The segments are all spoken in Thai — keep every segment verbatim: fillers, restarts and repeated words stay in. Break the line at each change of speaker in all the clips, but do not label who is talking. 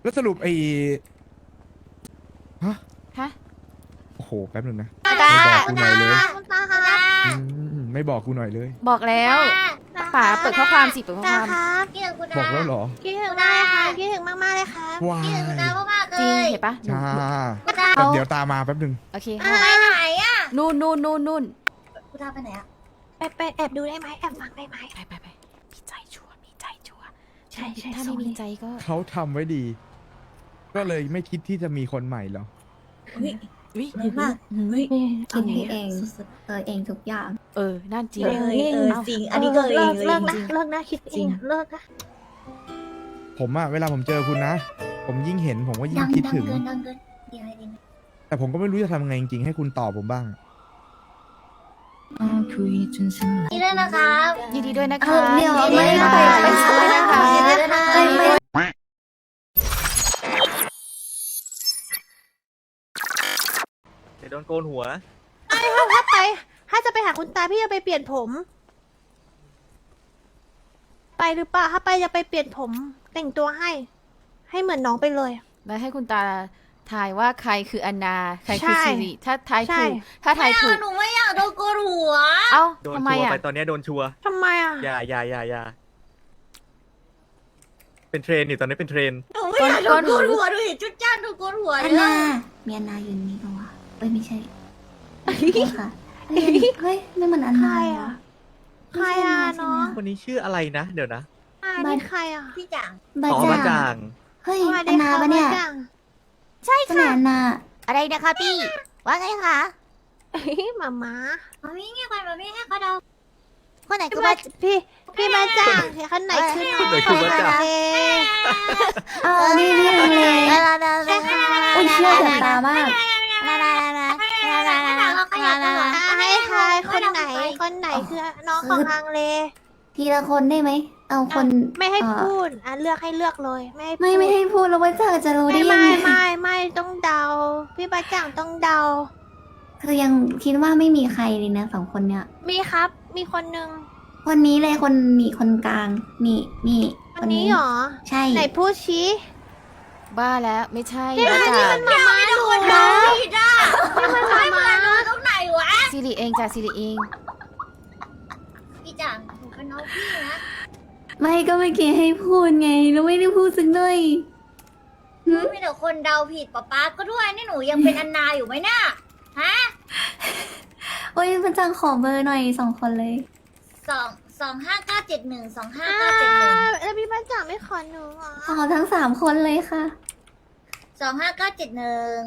แล้วสรุปไอ้ฮะ
ฮะ
โอ้โหแป๊บนึงนะ
ตา
ไม่บอกกูหน่อยเลย
คุณตาคะ
อืมไม่บอกกูหน่อยเลย
บอกแล้วป๋าเปิดข้อความสิเปิดข้อความ
ครับคิดถึงคุณ
บอกแล้วเหรอ
คิดถึงมากเลยค่ะคิดถึงมากๆเลยครับ
ว้าย
คิดถึงคุณตามากๆเล
จริง
ย
เห็นปะหนู
จ้า
คุณตา
แต่เดี๋ยวตามมาแป๊บนึง
โอเค
ไปไหนอ่ะ
นู่นนู่นนู่นนู่น
คุณตาไปไหนอ่ะไปไปแอบดูได้ไหมแอบฟังได้ไหม
ไปไปไปมีใจชัวร์มีใจชัวร์
ใช่ใช่
ถ้า
ส่
ไม่
ง
มี
เลย
ใจก็
เขาทำไว้ดี ก็เลยไม่คิดที่จะมีคนใหม่หรอ
วิ
ดีมากเฮ้ย
คิดให้เองเออเองทุกอย่าง
เออนั่นจริง
เออเออจริงอันนี้ก็เองเลิกนะเลิกนะคิดเองเลิกนะ
ผมอะเวลาผมเจอคุณนะ ผมยิ่งเห็นผมก็ยิ่
ดั
ง
ง
คิด
ดัง
ถึง
เกินดังเกินดีไหมดีไหม
แต่ผมก็ไม่รู้จะทำยังไงจริงๆให้คุณตอบผมบ้าง
นี่ด้วยนะครับ
ยินดีด้วยนะคะ
เออเดี๋ยว
ยินดี
ไม่
ด้วย
ไป
นะคะ
ไป
ยินดีด้วยนะคะ
ยินดีด้วยนะคะ
เอ้ยไม่
เดี๋ยวโดนโกนหัว
ถ้าไปถ้าจะไปหาคุณตาพี่จะไปเปลี่ยนผม ไปหรือเปล่าถ้าไปจะไปเปลี่ยนผม แต่งตัวให้ ให้เหมือนน้องไปเลย
แล้วให้คุณตาทายว่าใครคืออนนาใครคือ
ใช่
สิริถ้าทาย
ใช่
ถูกถ้าทายถูก
หนูไม่อยากโดนโกนหัว
เอ้า
โดน
ทำไม
ชัวร์
อ่ะ
ไปตอนนี้โดนชัวร์
ทำไมอ่ะ
อย่าอย่าอย่าอย่าเป็นเทรนอยู่ตอนนี้เป็นเทรน
หนูไม่อยากโดนโกนหัวดูดิจุดจ้านโดนโกนหัว
อัน
เล
นาย มีอันนาอยู่นี่ปะวะเอ้ยไม่ใช่โทษค่ะเฮ้ยเฮ้ยไม่เหมือนอัน
ใคร
นา
อ่ะ ใครอ่ะน้อง
คนนี้ชื่ออะไรนะ เดี๋ยวนะ
อ่านี่ใครอ่ะ พี่จัง
บา
อ๋อมา
จา
จาง ง
เฮ้ยอันนาปะเนี่ย
ใช่
ใช่ไหมอันนา
อะไรนะคะพี่ ว่าไงคะหมาม้ามามี่เงียบไปมามี่ให้เขาเดาคนไหนคือมาพี่ พี่มาจ้างคนไหนคือน้อง
คนไหนคือมาจ้าง
เออนี่นี่ทำเลยอุ้ยเชื่อเดือดตามาก
ให้ทายคนไหน คนไหนคือน้องของฮังเล
ทีละคนได้ไหมเอาคน
ไม่ให้
เอ่อ
พูด อ่ะเลือกให้เลือกเลย ไม่ให้พูด
ไม่ไม่ให้พูดแล้วว่าเจอจะรู้ได้
ไม่
ยัง
ไม่
ไง
ไม่ไม่ต้องเดา พี่บาจ่างต้องเดา
คือยังคิดว่าไม่มีใครเลยนะสองคนเนี้ย
มีครับ มีคนหนึ่ง
คนนี้เลยคนนี่คนกลางนี่นี่
คนนี้เหรอ
ใช่
ไหนพูดชี้
บ้าแล้วไม่ใช่
นี่
บ้า
มัน
จ่า
มันมามาดูนะผิดอ่ะนี่มันมามาตรงไหนวะ
สิริเองจ้ะสิริเอง
พี่จ่างหนูเป็นน้องพี่นะ
ไม่ก็เมื่อกี้ให้พูดไงแล้วไม่ได้พูดสักหน่อย
มีแต่คนเดาผิดป๊าป๊าก็ด้วยนี่หนูยังเป็นอันนาอยู่ไหมน่ะฮะ
โอ้ยพระจังขอเบอร์หน่อยสองคนเลย
สองสองห้าเก้าเจ็ดหนึ่งสองห้าเก้าเจ็ดหนึ่งแล้วพี่บาจ่างไม่ขอหนูเหรอ
ขอทั้งสามคนเลยค่ะ
สองห้าเก้าเจ็ดหนึ่ง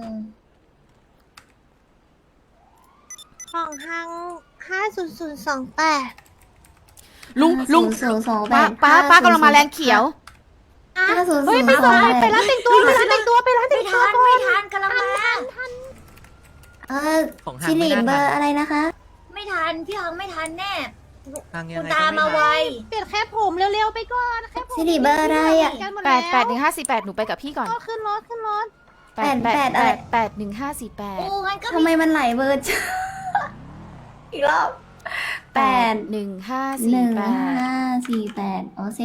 ของฮังห้าศูนย์ศูนย์สองแปด
ลุงลุง
ศูนย์สองแป
ป้า
ด
ป้าป้ากำลังมาแรงเขียว
ห้าศูนย์
เฮ้
ศู
ย
นย์
ไป
ส
ส่
อง ง
ไป
แปด
ร้านแต่งตัวไปร้านแต่งตัวไปร้านแต่งตัวก่อนไม่ทันกำลังมา
เออ
ของห้าง
ชิลิ
ไม่น่า
เบอ
ทัน
ร์อะไรนะคะ
ไม่ทันพี่ฮังไม่ทันแน่
ทางยัง
คุณ
ไง
ตา
ก็
มา
ไม่
ไว
ทัน
เปลี่ยนแค่ผมเร็วๆไปก่อนแค่ผม
ชิลิเบอร์อะไรอ่ะ
แปดแปดหนึ่งห้าสี่แปดหนูไปกับพี่ก่อน
ก็ขึ้นรถขึ้นรถ
แปดแปด
แปดแปดอะไร
แปดหนึ่งห้าสี่แปด
โอ้งั้นก็
ทำไมมันไหลเบอร์จังอีกรอบแปด
หนึ่งห้า
ห
สี่
นึ่ง
แปด
ห้าสี่แปดโอ้สิ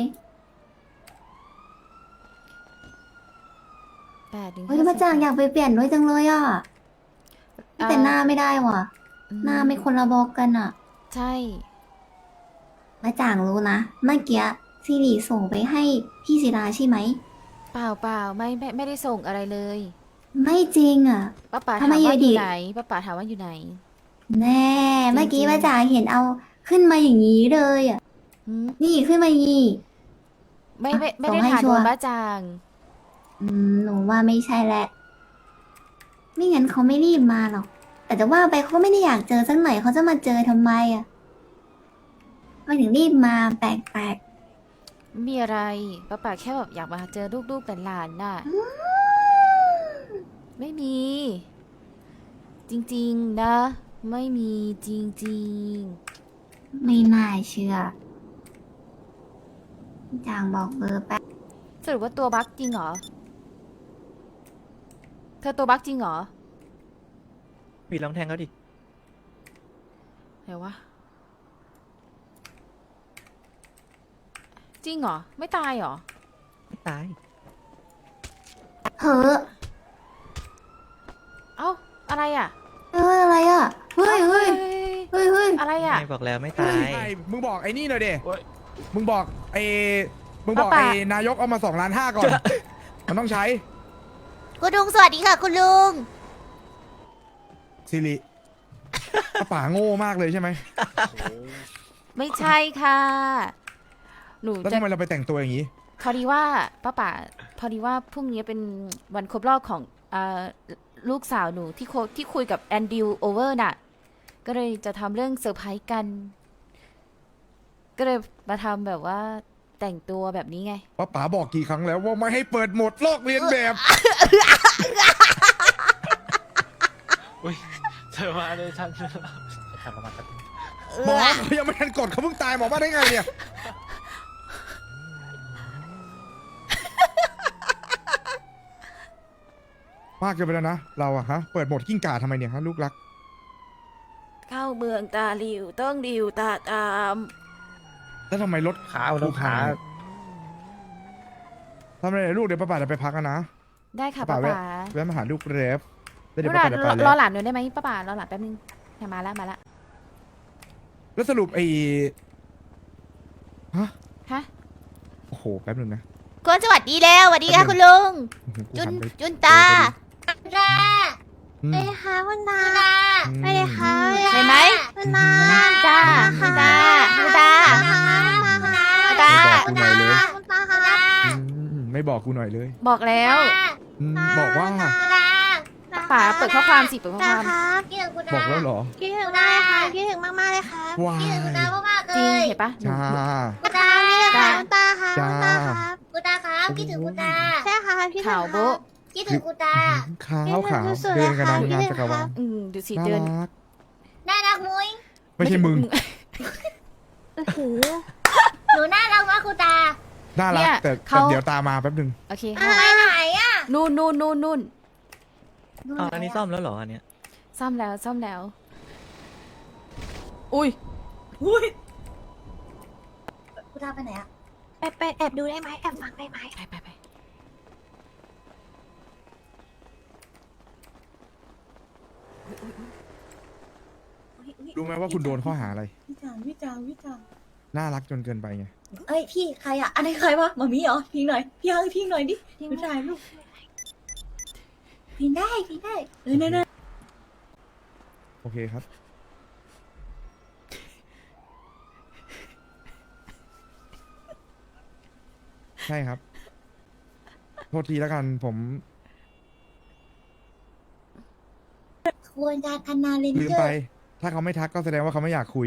แปดหนึ่ง
เฮ้ยพระจังอยากไปเปลี่ยนด้วยจังเลยอ่ะแต่หน้าไม่ได้ว่ะ หน้าไม่คนละบอกกันอ่ะ
ใช่
พระจางรู้นะ เมื่อกี้ซิริส่งไปให้พี่ศิลาใช่ไหม
เปล่าเปล่าไม่ไม่ไม่ได้ส่งอะไรเลย
ไม่จริงอ่ะ
ป้าป๋า
ทำ
ถาม
ไม
ว่า
อ
อยู่ ยู่
ดี
ไหนป้าป๋าถามว่าอยู่ไหน
แน่ เมื่อกี้
จริงๆ
พระจางเห็นเอาขึ้นมาอย่างนี้เลยอ่ะ
หืม
นี่ขึ้นมาอย่างนี้
ไม่ไม่ไม่
ส่
ได้
งให้
ถาม
ชั
โด
วร์
นบ้าจาง
อืมหนูว่าไม่ใช่แหละ ไม่งั้นเขาไม่รีบมาหรอก แต่จะว่าไปเขาก็ไม่ได้อยากเจอสักหน่อยเขาจะมาเจอทำไมอ่ะไม่ถึงรีบมาแปลก
ไม่มีอะไรป้าป๋าแค่แบบอยากมาเจอลูกๆหลานๆน่ะ
ๆ
ไม่มี จริงๆนะ ไม่มีจริง
ไม่น่าเชื่อจางบอกเบอร์แป๊บ
ๆสรุปว่าตัวบั๊กจริงเหรอ เธอตัวบั๊กจริงเหรอ
ปีลองแทงเขาดิ
ไหนวะจริงเหรอ ไม่ตายเหรอ
ไม่ตาย
เฮ้อ
เอ้าอะไรอ่ะ
เฮ้ยอะไรอ่ะเฮ้ยเฮ้ยเฮ้ยเฮ้ย
อะไรอ่ะ
ไม่บอกแล้วไม่
เฮ้
ตาย
ไอ้มึงบอกไอ้นี่หน่อยเด
โอ๊ย
มึงบอกไอ้มึงบอก
ป้า
ไอ้
ป่า
นายกเอามาสองล้านห้าก่อน มันต้องใช้
คุณลุงสวัสดีค่ะ คุณลุง
สิริป้าป๋าโง่มากเลยใช่ไหม
ไม่ใช่ค่ะ หนู
แล้ว
จะ
ทำไมเราไปแต่งตัวอย่างนี้
พอดีว่าป้าป่าพอดีว่าพรุ่งนี้เป็นวันครบรอบของเอ่อลูกสาวหนูที่โคที่คุยกับแอนดิวโอเวอร์น่ะ ก็เลยจะทำเรื่องเซอร์ไพรส์กัน ก็เลยมาทำแบบว่าแต่งตัวแบบนี้ไง
ป้าป๋าบอกกี่ครั้งแล้วว่าไม่ให้เปิดโหมดลอกเลียนแบบ
อุ้ยเธอมาเลยฉันทำประมาณนั้น
หมอเขายังไม่ทันกดเขาเพิ่งตายหมอมาได้ไงเนี่ย มากเกินไปแล้วนะ เราอะฮะ เปิดโหมดกิ้งก่าทำไมเนี่ยฮะลูกรัก
เข้าเมืองตาหลิวต้องหลิวตาตาม
แล้วทำไมรถ
ขาเอาแล้วขา
ทำอะไรเนี่ยลูกเดี๋ยวป้าป๋าจะไปพักกันนะ
ได้ค่ะ
ป้า
ป้า
ป๋าแวะ
ป๋า
แวะมาหาลูกเรฟแล้วเดี๋ยว
ร
ป้า
อ
ป๋าจะไป
ร
แล้
อ
ว
หลานหน่อยได้ไหมป้าป๋ารอหลานแป๊บนึงเนี่ยมาแล้วมาแล้ว
แล้วสรุปไอ้ฮะ
ฮะ
โอ้โหแป๊บนึงนะ
คุณสวัสดีแล้วสวัสดีค่ะคุณลุง
อื้อหือกู
จุน
หัไป
จุนตา
ตา
อืม
ไปเลยค่ะคุณตา
อืม
ไปเลยค่ะ
เห็นไหม
คุณตา
จ้า
คุณตาคุณตา
คุณตา
คุณตา
ไม่บอกกูหน่อยเลย
คุณตาค่ะ
อืมไม่บอกกูหน่อยเลย
บอกแล้ว
อืมบอกว่า
ป๋าเปิดข้อความสิเปิดข้อ
ตา
ความ
ครับคิดถึงคุณ
บอกแล้วเหรอ
คิดถึงมากเลยค่ะคิดถึงมากๆเลยค่ะ
ว้าย
จริงเห็นปะหนู
จ้า
คุณตาคุณตาค่ะ
จ้า
คุณตาครับ
คุณตาครับคิดถึงคุณตา
ใช่ค่ะคิดถึง
ข่าว
ค่ะ
โบ๊ะ
คิดถึงคุณตา
ขาวขาว
คิดถึงสุดๆ
เดินกัน
เลย
นาน
ค่ะ
งาน
คิดถึ
จั
ง
กรวาล
ค่ะ
อืมดูสิ
น่า
เดิน
รัก
น่ารักมุ้ย
ไม่ใช่มึง
อื้อหือ
หนูน่ารักมากคุณตา
น่ารัก
เนี่ย
แต่
เขา
แต่เดี๋ยวตามมาแป๊บนึง
โอเค
ไปไหนอ่ะ
นู่นนู่นนู่นนู่น
อ๋ออันนี้ซ่อมแล้วเหรออันเนี้ย
ซ่อมแล้วซ่อมแล้ว อุ้ย
คุณตาไปไหนอ่ะ
ไปไปแอบดูได้ไหมแอบฟังได้ไหม
ไปไปไป
รู้ไหมว่าคุณโดนข้อหาอะไร
วิจารณ์วิจารณ์วิจารณ์
น่ารักจนเกินไปไง
เอ้ยพี่ใครอะอันนี้ใครวะมามีเหรอพิงหน่อยพี่ฮังพิงหน่อยดิไม่ได้ลูกพิงได้พิงได้เออเน่ๆ
โอเคครับ ใช่ครับ โทษทีแล้วกันผม
ควรจะธนาเลน
ลืม
เจอ
ไป
ร์
ถ้าเขาไม่ทักก็แสดงว่าเขาไม่อยากคุย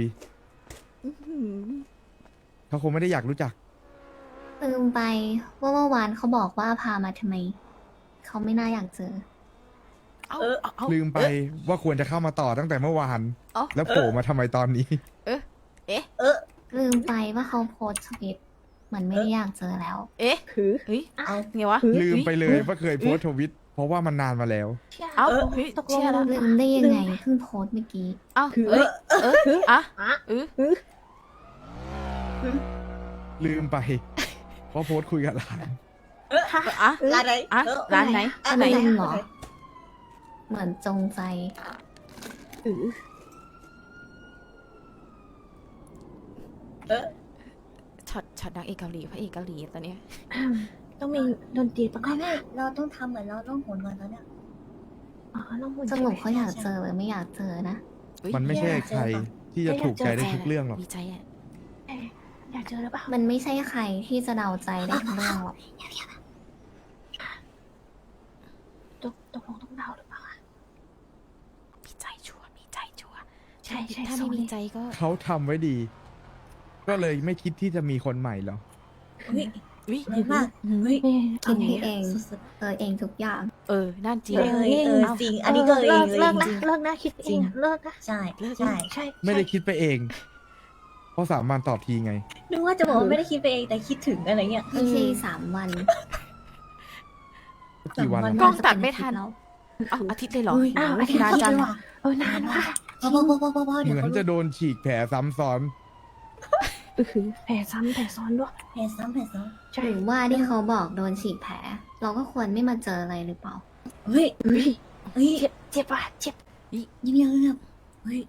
เขาคงไม่ได้อยากรู้จัก
ลืมไปว่าเมื่อวานเขาบอกว่าพามาทำไม เขาไม่น่าอยากเจอ
เอาเอาเอา
ลืมไปว่าควรจะเข้ามาต่อตั้งแต่เมื่อวาน
เอ้า
แล้วโผล่มาทำไมตอนนี้
ลืมไปว่าเขาโพสต์ทวิตเหมือนไม่ได้อยากเจอแล้ว
เอ๊ะ
คือ
เฮ้ย
เอา
ไงวะ
ลืมไปเลยว่าเคยโพสต์ทวิต เพราะว่ามันนานมาแล้ว
เอ้า
เออ
เฮ้ย
ตกลง
เชื่อแล้ว
ลืมได้ยังไงเพิ่งโพสต์เมื่อกี้
เอ้า
คือ
เอ้ยเอ้ยอ่ะเออ
ลืมไปว่าโพสต์คุยกับหลาน
อ่ะ
ร้านไหน
อ่ะ
เออ
ร้านไหน
อะ
ร้านไหน
ลืมเหรอ เหมือนจงใจ
เออเออ
ช็อตช็อตนางเอกเกาหลีพระเอกเกาหลีตอนเนี้ย
ต้องมีดนตรีประกอบ
ไม่ไม่เราต้องทำเหมือนเราต้องโหนก่อนตอนเนี้ย
อ๋อต้องหมุน
สรุปเขาอยากเจอหรือไม่อยากเจอนะ
อุ๊ย
มันไม่ใช่ใครที่จะถูกใจได้ทุกเรื่องหรอก
มีใจอ่ะ
อยากเจอหรือเปล่า
มันไม่ใช่ใครที่จะเดาใจได้ทุกเรื่องหรอก
ตกตกลงต้องเดาหรือเปล่า
มีใจชัวร์มีใจชัวร์
ใช่ใช่
ถ้า
ส่
ไม่
ง
มี
เลย
ใจก็
เขาทำไว้ดี ก็เลยไม่คิดที่จะมีคนใหม่หรอ
เฮ้ย
อุ้ย
แรงมากเฮ้ย
คิดให้เอง
สุด
เออเองทุกอย่าง
เออนั่นจริง
ๆเออเออจริง อันนี้ก็เองเลย
เลิก
จ
นะ
ริง
เลิกนะคิดเองเลิกนะ
ใช่
เลิก
ใช่ใช่
ไม่ได้คิดไปเอง เพราะสามวันตอบทีไง
นึกว่าจะบอกว่าไม่ได้คิดไปเองแต่คิดถึงอะไรเงี้ย
ไม่ใช่สามวัน
กี่วัน
สามวัน
แล้ว
กล้องตัดไม่ทัน
แล้ว
อ้าวอาทิตย์เลยเหรอ
เฮ้ย
อ้าว
อาทิตย์
นานจัง
เลยว่ะ เออนานว่ะพอพอพอพอพอพอ
เห
เดี๋ยว
มือน
เขา
จะโดนฉีกแผลซ้ำซ้อน
แผลซ้ำแผลซ้อนด้วยแผลซ้ำแผลซ้อนใช่
หรือว่าที่เขาบอกโดนฉีกแผลเราก็ควรไม่มาเจออะไรหรือเปล่า
เฮ้ยเฮ้ยเฮ้ย
เจ็บเจ็บปะเจ็บ
เงียบเงียบเงียบเฮ้ย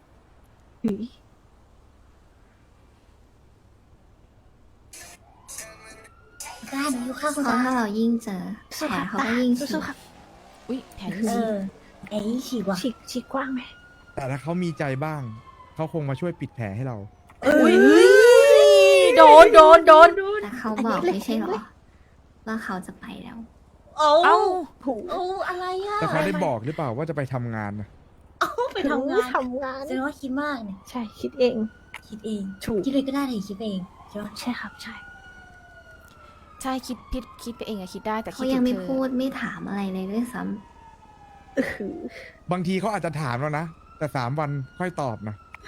กล้าหนูอยู่ข้าง
เพ
คุณ
ราะ
ตา
ถ้าเรายิ่งเจอแผ
สู้
ล
ครับ
เขา
ตา
ก็ยิ่งฉี
สู้
ก
ๆครับ
อุ้ยแผล
เออไอ้ฉีกว่ะ
ฉีกฉีกกว้างไหม
แต่ถ้าเขามีใจบ้าง เขาคงมาช่วยปิดแผลให้เรา
อุ้ยโดนโดนโดน
แต่เขาบอกไม่ใช่หรอ ว่าเขาจะไปแล้ว
เอา
เอ้า
เอาอะไรอ่ะ
แต่เขาได้บอกหรือเปล่าว่าจะไปทำงานนะ
เอาไปทำงาน
ทำงาน
แสดงว่าคิดมากเนี่ย
ใช่คิดเอง
คิดเอง
ถูก
คิดเลยก็ได้เลยคิดเองใช่ปะ
ใช่ครับใช่
ใช่คิดพิดคิดไปเองอะคิดได้แต่คิ
เขา
ด
ยั
ถึ
ง
ง
ไม่
เธอ
พูดไม่ถามอะไรเลยด้วยซ้
บางทีเขาอาจจะถามเรานะ แต่สามวันค่อยตอบนะ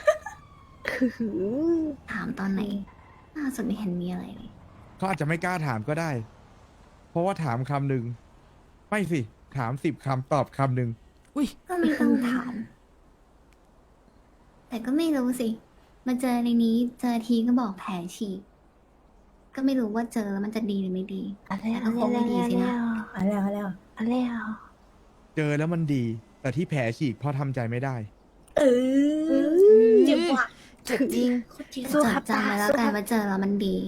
ำถามตอนไหนล่าสุดไม่เห็นมีอะไรเลย
เขาอาจจะไม่กล้าถามก็ได้ เพราะว่าถามคำหนึ่งไม่สิ ถามสิบคำตอบคำหนึ่ง
อุ้ย
ก็ไม่ต้องถาม แต่ก็ไม่รู้สิ มาเจอในนี้เจอทีก็บอกแผลฉีก ก็ไม่รู้ว่าเจอแล้วมันจะดีหรือไม่ดี
อะไร
แต่ก็คงไม่ดีสินะ
เอาแล้วเอาแล้ว
อะไรอ่ะ
เจอแล้วมันดี แต่ที่แผลฉีกเพราะทำใจไม่ได้
เออเจ็บว่ะ
เจ็บจริง
โคตรเจ็บ
จดจำไว้แล้วกันว่าเจอแล้วมันดี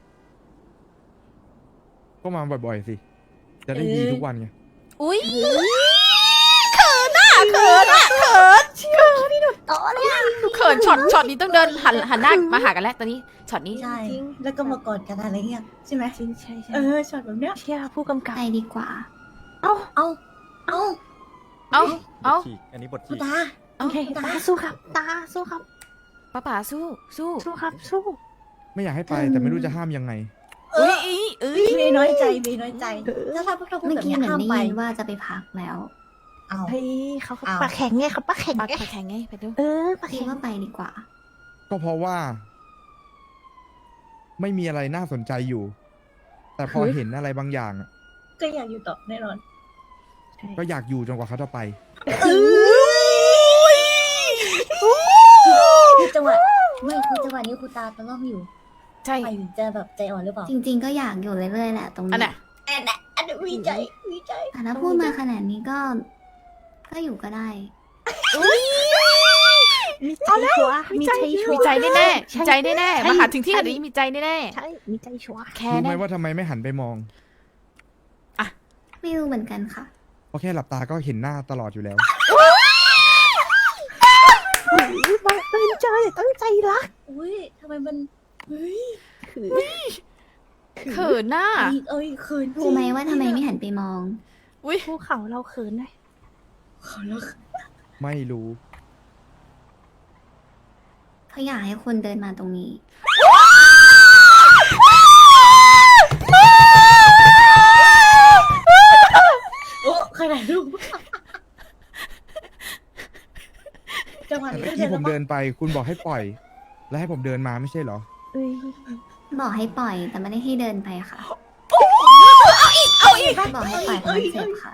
ก็มาบ่อยๆสิ จะได้ดีทุกวันไง
อุ้ยเขินอะเขินอะเขินเขินนี่หนูโตเลยอะเขินช็อตช็อตนี้ต้องเดินหันหันหน้ามาหากันแล้วตอนนี้ช็อตนี้
ใช่แล้วก็มากอดกันอะไรเงี้ยใช่ไหม
จริงใช่ใช่
เออช็อตแบบเนี้ย
เชี่ยผู้กำกับ
ไปดีกว่า
เอาเอาเอา
เอ้าเอ้า
ฉีก อันนี้บท
คุ
ฉี
ณ
ก
ตา
โอเคตาสู้ครับ ตาสู้ครับ
ป้าป๋าสู้สู้
สู้ครับสู้
ไม่อยากให้ไปแต่ไม่รู้จะห้ามยังไง
เอ
อุ้
อย
อีเอ้ย
เมย์น้อยใจเมย์น้อยใจถ้าถ้าพวกเราพูด
เมื่อ
แบบ
กี้
เนี้ย
เหมือน
ห้าม
ได้
ไป
ยินว่าจะไปพักแล้ว
เอา
เฮ้ยเขาก็
อ้าว
ปากแข็งไงเขาปากแข็ง
ปาก
ไง
แข็งไงไปดู
เออปาก
คิด
แข็ง
ว่าไปดีกว่า
ก็เพราะว่า ไม่มีอะไรน่าสนใจอยู่ แต่พอเห็นอะไรบางอย่างอะ
ก็อยากอยู่ต่อแน่นอน
ก็อยากอยู่จนกว่าเขาจะไป
คือจังหวะไม่คือจังหวะนี้คุณตาตะล่อมอยู่
ใช่
ไปจะแบบใจอ่อนหรือเปล่า
จริง ๆ ก็อยากอยู่เรื่อยๆแหละตรง
อัน
นี้
น่ะ
แอนแอนแอนวิจัยวิจัย
แต่ถ้าพูดมาขนาดนี้ก็ ก็อยู่ก็ได้
มีใจชัวร์มีใจชัว
มี
ร์
ใจแน่แน่ๆมีใจแน่แน่ๆ
ใช่
มาหาถึงที่ขนาดนี้มีใจแน่แน่
ใช่มีใจชัวร์
ๆแค่
รู้ไหม
นั้น
ว่าทำไมไม่หันไปมอง
ไม่รู้เหมือนกันค่ะ
เพราะแค่หลับตาก็เห็นหน้าตลอดอยู่แล้ว
บังเอิญเจอตั้งใจรัก
อุ้ยทำไมมันเฮ้ย
คือ
เขินหน้า
เอ้ยเอ้ยคืน
รู้ไหมว่าทำไมไม่หันไปมอง
อุ้ย
ภูเขาเราเขินเลย
เขาแล้ว
ไม่รู้
เขาอยากให้คนเดินมาตรงนี้
โอ้ใครถ่ายรูปจังหวะ
แต่
นี้
เมื่อ
ก็
กี้
เดิน
ผม
แล้ว
เดินไป คุณบอกให้ปล่อย แล้วให้ผมเดินมาไม่ใช่เหรอ
เอ้ย
บอกให้ปล่อย แต่ไม่ได้ให้เดินไปค่ะ
เอาอีก
บอกให้ปล่อยเพราะมันเจ็บค่ะ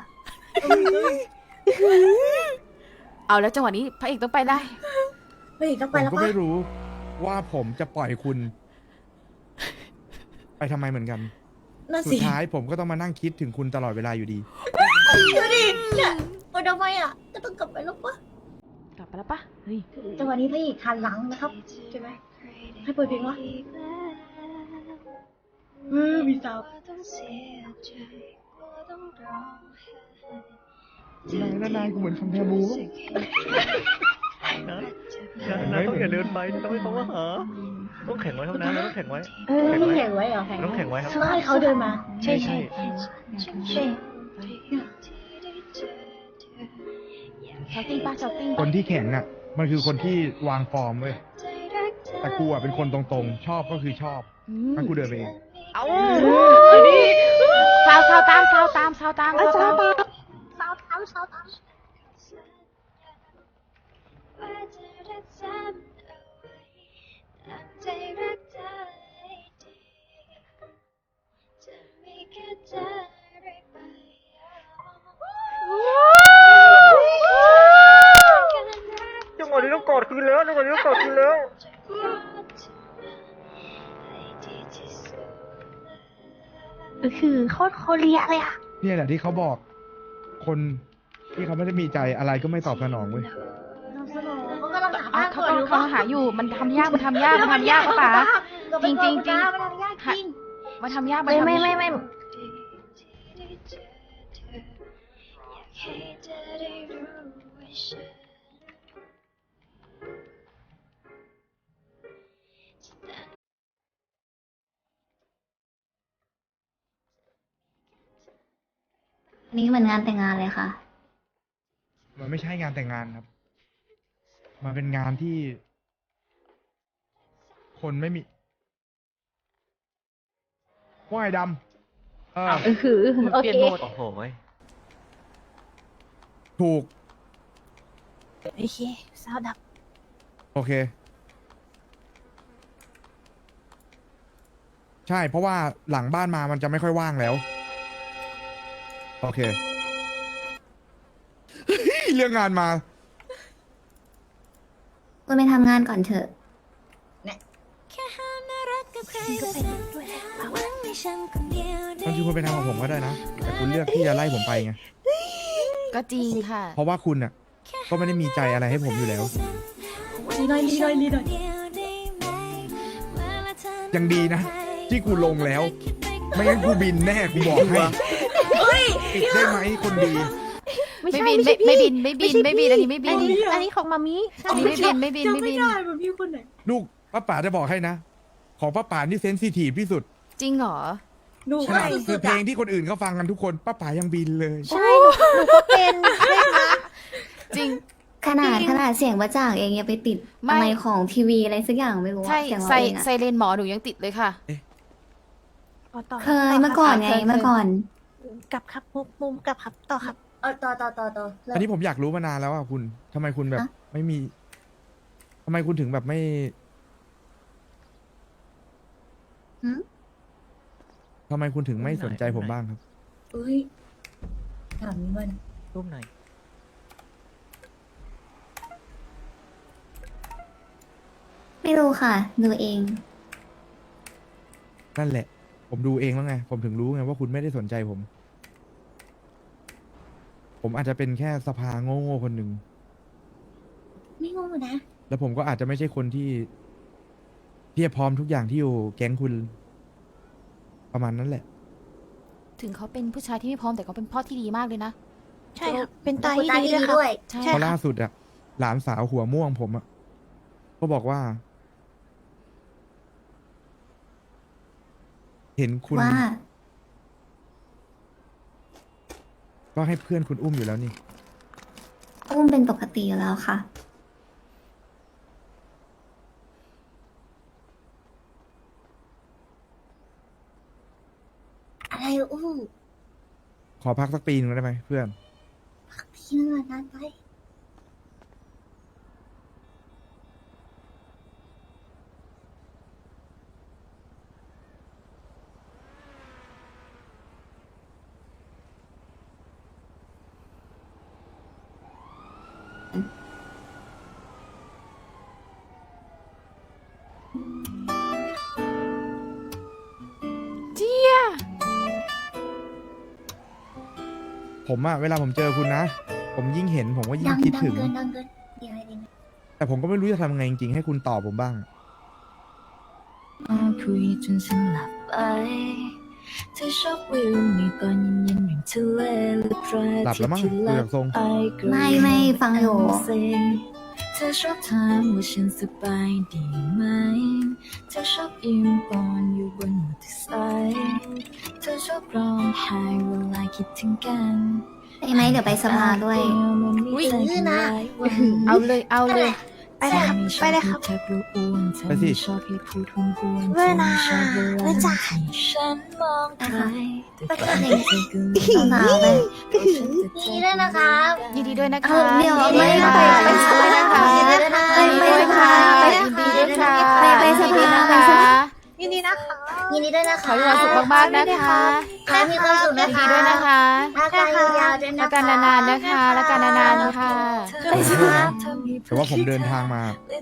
เอาแล้วจังหวะนี้พระเอกต้องไปได้
เฮ้ยต้อง
ผ
ไป
ม
แล้ว
ก็
ปะ
ไม่รู้ว่าผมจะปล่อยคุณ ไปทำไมเหมือนกัน
น่า
สุ
สิ
ดท้ายผมก็ต้องมานั่งคิดถึงคุณตลอดเวลาอยู่ดี
ดูดิเนี่ยโอ้ยทำไมอ่ะก็ต้องกลับไปแล้วปะ
กลับไปแล้วปะเฮ้ย
จังหวะนี้พระเอกหันหลังนะครับใช่ไหมให้เปิดเพลงวะเออมีสาว
นายนายกูเหมือนคำแพมู
นะนะต้องอย่าเดินไปต้องให้เขามาหา ต้องแข็งไว้เท่านั้นต้องแข็งไว้
เออต้องแข่งไว้เหรอ
ต้องแข็งไว้ครับ
ต้องให้เขาเดินมา
ใช่ใช่
ใช่
ชาวติ้งป้าชาวติ้ง
คนที่แข็งอ่ะ มันคือคนที่วางฟอร์มเว้ย แต่กูอ่ะเป็นคนตรงๆ ชอบก็คือชอบงั้นกูเดินไปเอง
เอาสาวสาวตามสาวตามสาวตามสาวตาม
สาวตามสาวตาม
จังหวะนี้ต้องกอดคืนแล้วจังหวะนี้ต้องกอดคืนแล้ว
คือโคตรโคเรียเลยอ่ะ
เนี่ยแหละที่เขาบอก คนที่เขาไม่ได้มีใจอะไรก็ไม่ตอบสนองเว้ย
เขากำลังหา
อ่ะ
บ้าน
เขา
ก่อน
กำลั
อยู่
งเขาหาอยู่ มันทำยาก มันทำยาก มันทำยากป้าป๋า จริงจริงจริง
มันทำยากจริง
มันทำยากมัน
ไม่
ทำ
ไม่
ยาก
ไม่ไม่
อันนี้เหมือนงานแต่งงานเลยค่ะ
มันไม่ใช่งานแต่งงานครับ มันเป็นงานที่ คนไม่มีว่ายดำเออ
เออคือโอ
เปลี่ย
เคน
โหมด
โอ้โหย
ถูก
โอเคสาวดับ
โอเค ใช่ เพราะว่าหลังบ้านมามันจะไม่ค่อยว่างแล้ว โอเค เรื่องงานมา
คุณไปทำงานก่อนเถอะ
บางทีคุณไปทำกับผมก็ได้นะ แต่คุณเลือกที่จะไล่ผมไปไง
ก็จริงค่ะ
เพราะว่าคุณน่ะ ก็ไม่ได้มีใจอะไรให้ผมอยู่แล้ว
ลีหน่อยลีหน่อยลีหน่อย
ยังดีนะ ที่กูลงแล้ว ไม่งั้นกูบินแน่กูบอกให้ปิดได้ไหมคนดี
ไม่
ไม่
ใช่
บิน
ไม่ใช่
ไม่
พี่
ไม่บิน ไม่บิน ไม่บิน อันนี้ไม่บิ
อัน
น
นี้อันนี้ของมามิ
อันนี้ไม่บิน ไม่บิน
จำ
ไม่
ไม่
บิน
ได้แบบพี่คนไหน
ลูกป้าป๋าจะบอกให้นะ ของป้าป๋านี่เซนซิทีฟที่สุด
จริงเหรอ
หนู
ขนาดคือเพลงที่คนอื่นเขาฟังกันทุกคนป้าป๋ายังบินเลย
ใช่หนูหนูก็เป็นใช่ไหม
จริง
ขนาดขนาดเสียงประจ่างเองยังไปติด
ไม่
อะไรของทีวีอะไรสักอย่างไม่รู้อะ
ใช่
เสียงเรา
ใส่
เองอะ
ไซเรนหมอหนูยังติดเลยค่ะ
ต่อต่อ
เคยเมื่อก่อนไง
เคยเคย
เมื่อก่อน
กลับครับมุมมุมกลับครับต่อครับ
เอาต่อต่อต่อต่อ
อันนี้ผมอยากรู้มานานแล้วอ่ะคุณทำไมคุณแบบ
อะ
ไม่มีทำไมคุณถึงแบบไม่
หืม
ทำไมคุณถึงไม่สนใจผมบ้างครับ
เอ้ยถามนี้มัน
รูปหน่อย
ไม่รู้ค่ะ ดูเอง
นั่นแหละ ผมดูเองแล้วไง ผมถึงรู้ไงว่าคุณไม่ได้สนใจผม ผมอาจจะเป็นแค่สภาโง่ๆคนหนึ่ง
ไม่งงนะ
แล้วผมก็อาจจะไม่ใช่คนที่เพียบพร้อมทุกอย่างที่อยู่แก๊งคุณ ประมาณนั้นแหละ
ถึงเขาเป็นผู้ชายที่ไม่พร้อมแต่เขาเป็นพ่อที่ดีมากเลยนะ
ใช่ครับเป็นตา
คุณ
ที่
ตา
ดี
ที่
ด้วย
ดี
ครับ
ด้วย
ใช่
เพราะล่าสุดอะหลานสาวหัวม่วงผมอะก็บอกว่า เห็นคุณ
ว่า
ก็ให้เพื่อนคุณอุ้มอยู่แล้วนี่
อุ้มเป็นปกติอยู่แล้วค่ะ
อะไรอู้
ขอพักสักปีหนึงได้ไหมเพื่อน
พี่นึงนานไป
เจี๊ย
ผมอะเวลาผมเจอคุณนะ ผมยิ่งเห็นผมก็ยิ่
ดั
ง
ง
คิด
ดัง
ถึง
เกินดังเกินเดี๋ยวอะไรดีนะ
แต่ผมก็ไม่รู้จะทำไงจริงๆให้คุณตอบผมบ้าง
คุยจนฉันหลับไปเธอชอบวิวในตอนเย็นๆอย่างทะเลหรือพระ
หลับแล้วมั้ง
ที่
ดูจากทรง
ไอกระ
ไม่ไม่ฟังอยู่
เธอชอบถามว่าฉันสบายดีไหมเธอชอบยิ้มตอนอยู่บนมอเตอร์ไซค์เธอชอบร้องไห้เวลาคิดถึงกัน
ได้ไหมเดี๋ยวไปสภาด้วย
อุ๊ย
เอาเลย เอาเลย
ไปเลยครับไปเลยครับ
ไปสิ
เวลาเวลา
ฉันมองใคร
ไปกันเลย
สาวๆไป
นี่ด้วยนะครับ
ยินดีด้วยนะ
เอ
คะ
อเดี๋ยว
ยินดีด้วย
ไป
ค่ะ
ไป
ยินดีด้วยนะคะ
ยินดีด้วยนะคะ
ยินดีด้วยค่ะ
ไป
ยินดีด้วยค่ะ
ไปไปสภา
ยินดี
ไป
ด้วย
ส
นะคะ
ภา
ยินดีนะคะ
ยินดีด้วยนะ
ขอ
คะ
ให้มีความสุขมากๆนะคะ
ขอให้มีความสุข
ยิ
นะ
น
คะ
ดีด้วยนะคะ
อาการยาวๆด้วยนะ
แล้ว
คะ
กันนานๆนะคะ แล้วกันนานๆนะคะ
ขอโทษนะแต่ว่าผมเดินทางมา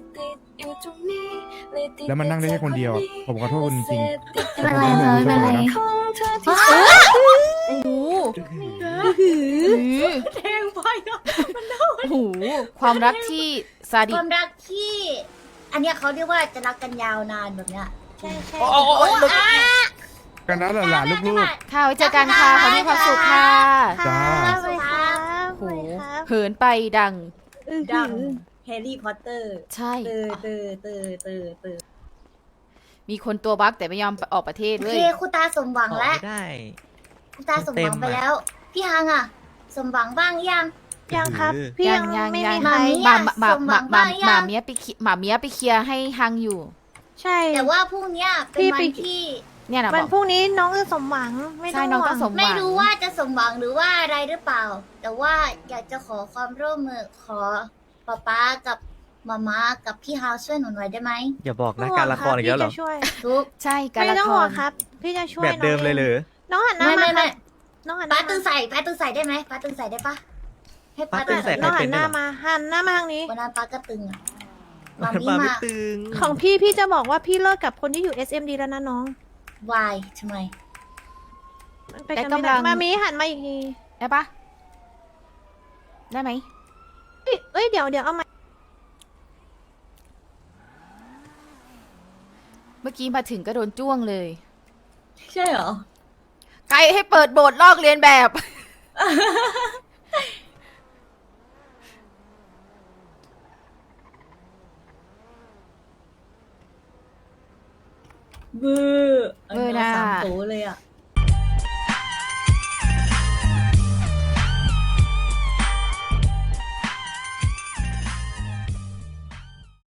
แล้วมันนั่งได้แค่คนเดียวอะผมขอโทษคุณจริงๆ
ไม่เป็นไรเลยไม่เป็นไร
แต่ผมขอโทษคุณนะ
โอ้โห
แทงไปอ่ะ
โอ้โหความรักที่ซาดิ
ค
ส
วามรักที่ อันเนี้ยเขาเรียกว่าจะรักกันยาวนานแบบเนี้ย
ใช่ใช่
โอ้โอ้โอ้โอ้
อ่ะ
กันนะหลานๆลูก
ค่ะไว้เจอกันค่ะขอมีความสุขค่ะ
จ้า
สวัสดีครับ
โอ้
ส
โห
วัสดีครับ
เหินไปดัง
ดังแฮร์รี่พอตเตอร์
ใช่
เตอเตอเตอเตอเตอ
มีคนตัวบั๊กแต่ไม่ยอมออกประเทศ
โอ
เล
เค
ย
คุณตาสมหวัง
ออก
แล้ว
ไม่ได้
คุณตาสมหวังไปแล้ว พี่ฮังอ่ะ สมหวังบ้างยัง
ยังครับ พี่ยัง
ยัง
ไม่
ยัง
มี
มา
ใคร
มิ
หมาหมา
สมหวั
หมาง หมา
บ้างยัง
หมาเมียไปเคลียหมาเมียไปเคลียร์ให้ฮังอยู่
ใช่
แต่ว่าพรุ่งเนี้ยเป็น
พี่
วั
ไป
นที่
เนี่ยนะบ
วั
อน ก
พรุ่งนี้น้องจะสมหวังไม่
ใช่
ต้อง
น้องต้อง
ห่ว
สมหวัง
ไม่รู้ว่าจะสมหวังหรือว่าอะไรหรือเปล่า แต่ว่าอยากจะขอความร่วมมือขอป๊าป๊ากับมาม่ากับพี่ฮาวช่วยหนูหน่อยได้ไหม
อย่าบอก
ไม่
นะ
ห่วง
การละครอีกแล้วเหรอ
พี่จะช่วย
ทุก
ใช่การ
ไม่
ละ
ต้อง
ค
ห่ว
รง
ครับ พี่จะช่วย
แบบเดิมเลยเหรอ
น้องหันหน้า
ไม่
มา
ไม่
ครั
ไม่
บน้องหันห
ป้า
น้า
ตึ
มาง
ใส่ป้าตึงใส่ได้ไหมป้าตึงใส่ได้ปะให้ป้า
ป้าตึ
ตึ
ง
ง
ใส่
ใส่
น้องหั
เป็น
น
ด้
ห
วย
น้า
เหรอ
มาหันหน้ามาทางนี้
วันนั้นป้าก็ตึงอ่ะมามี
ป้าไม่
มา
ตึง
ของพี่พี่จะบอกว่าพี่เลิกกับคนที่อยู่ เอส เอ็ม ดี แล้วนะน้อง
วายทำไม
มันไปกันไม่ได้มามีหันมาอีกที
ได้ปะได้ไหม
เอ้ยเอ้ยเดี๋ยวเดี๋ยวเอามา
เมื่อกี้มาถึงก็โดนจ้วงเลย
ใช่เหรอ
ใครให้เปิดโบสถ์ลอกเรียนแบบ
เบอร์
เบอร์น่ะ
สามโตเลยอ่ะ